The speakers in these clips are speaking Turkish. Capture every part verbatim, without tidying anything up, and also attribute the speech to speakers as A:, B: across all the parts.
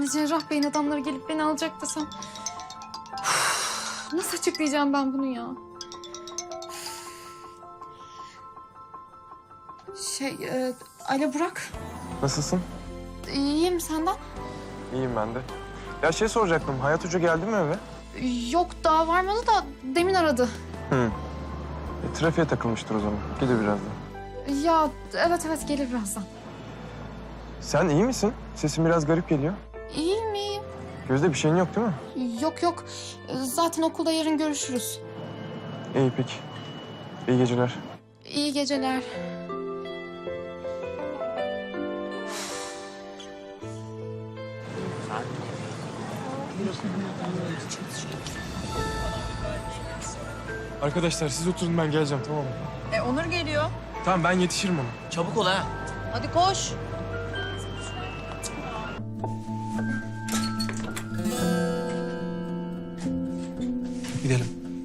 A: Şimdi Cerrah Bey'in adamları gelip beni alacak desem... Nasıl açıklayacağım ben bunu ya? Şey, e, alo Burak.
B: Nasılsın?
A: İyiyim, senden?
B: İyiyim ben de. Ya şey soracaktım, Hayat Hoca geldi mi eve?
A: Yok, daha varmadı da demin aradı.
B: Hı. E, trafiğe takılmıştır o zaman. Gelir birazdan.
A: Ya evet evet gelir birazdan.
B: Sen iyi misin? Sesin biraz garip geliyor.
A: İyiyim iyiyim.
B: Gözde bir şeyin yok değil mi?
A: Yok yok, zaten okulda yarın görüşürüz.
B: İyi peki. İyi geceler.
A: İyi geceler.
B: Arkadaşlar siz oturun, ben geleceğim, tamam mı?
C: E Onur geliyor.
B: Tamam, ben yetişirim ona.
D: Çabuk ol ha.
C: Hadi koş.
B: Gidelim.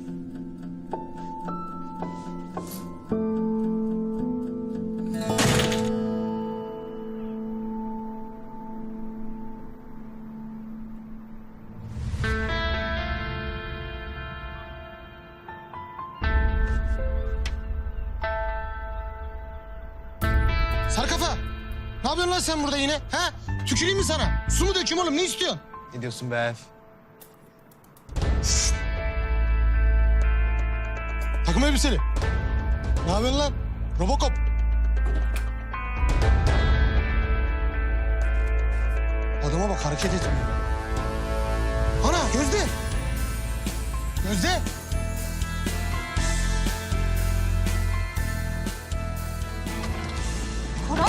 E: Sarkafa! Ne yapıyorsun lan sen burada yine? Ha? Tüküreyim mi sana? Su mu dökeyim oğlum? Ne istiyorsun?
D: Ne diyorsun be Ef?
E: Takım elbiseli. Ne yapıyorsun lan? Robocop. Adama bak, hareket etmiyor. Ana Gözde! Gözde!
A: Koray?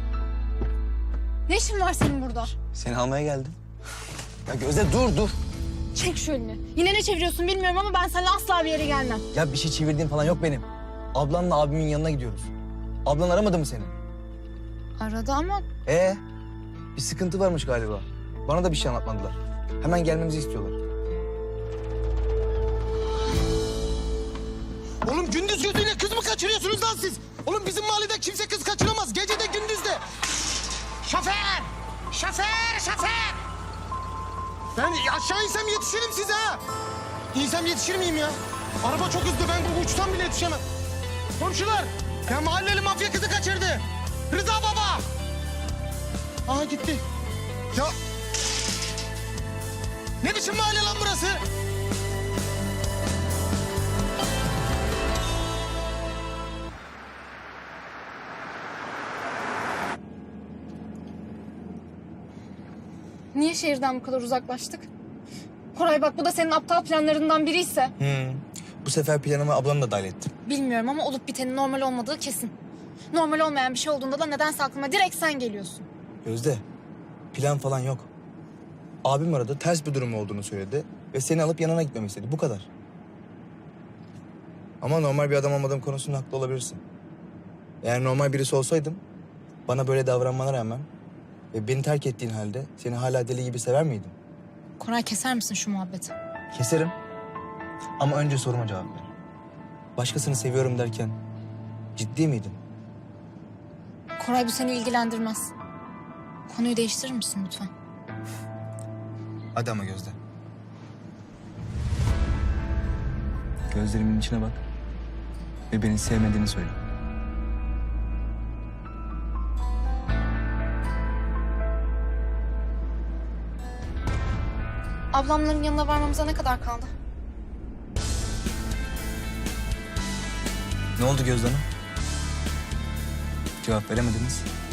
A: Ne işin var senin burada?
D: Seni almaya geldim. Ya Gözde dur dur.
A: Çek şu elini. Yine ne çeviriyorsun bilmiyorum ama ben seninle asla bir yere gelmem.
D: Ya bir şey çevirdiğim falan yok benim. Ablanla abimin yanına gidiyoruz. Ablan aramadı mı seni?
A: Aradı ama
D: Ee, bir sıkıntı varmış galiba. Bana da bir şey anlatmadılar. Hemen gelmemizi istiyorlar.
E: Oğlum gündüz gözüyle kız mı kaçırıyorsunuz lan siz? Oğlum bizim mahallede kimse kız kaçıramaz. Gece de gündüz de. Şoför! Şoför! Şoför! Ben aşağı insem yetişirim size ha. İnsem yetişir miyim ya? Araba çok hızlı, ben bu uçtan bile yetişemem. Komşular! Ya mahalleli mafya kızı kaçırdı. Rıza baba! Aha gitti. Ya... Ne biçim mahalle lan burası?
A: niye şehirden bu kadar uzaklaştık? Koray bak, bu da senin aptal planlarından biriyse...
D: Hmm. Bu sefer planıma ablanı da dahil ettim.
A: Bilmiyorum ama olup bitenin normal olmadığı kesin. Normal olmayan bir şey olduğunda da nedense aklıma direkt sen geliyorsun.
D: Gözde, plan falan yok. Abim aradı, ters bir durum olduğunu söyledi ve seni alıp yanına gitmemi istedi. Bu kadar. Ama normal bir adam olmadığım konusunda haklı olabilirsin. Eğer normal birisi olsaydım, bana böyle davranmana rağmen ve beni terk ettiğin halde seni hala deli gibi sever miydim?
A: Koray, keser misin şu muhabbeti?
D: Keserim. Ama önce soruma cevap ver. Başkasını seviyorum derken ciddi miydin?
A: Koray, bu seni ilgilendirmez. Konuyu değiştirir misin lütfen?
D: Hadi ama Gözde. Gözlerimin içine bak ve beni sevmediğini söyle.
A: Ablamların yanına varmamıza ne kadar kaldı?
D: Ne oldu Gözde Hanım? Cevap veremediniz.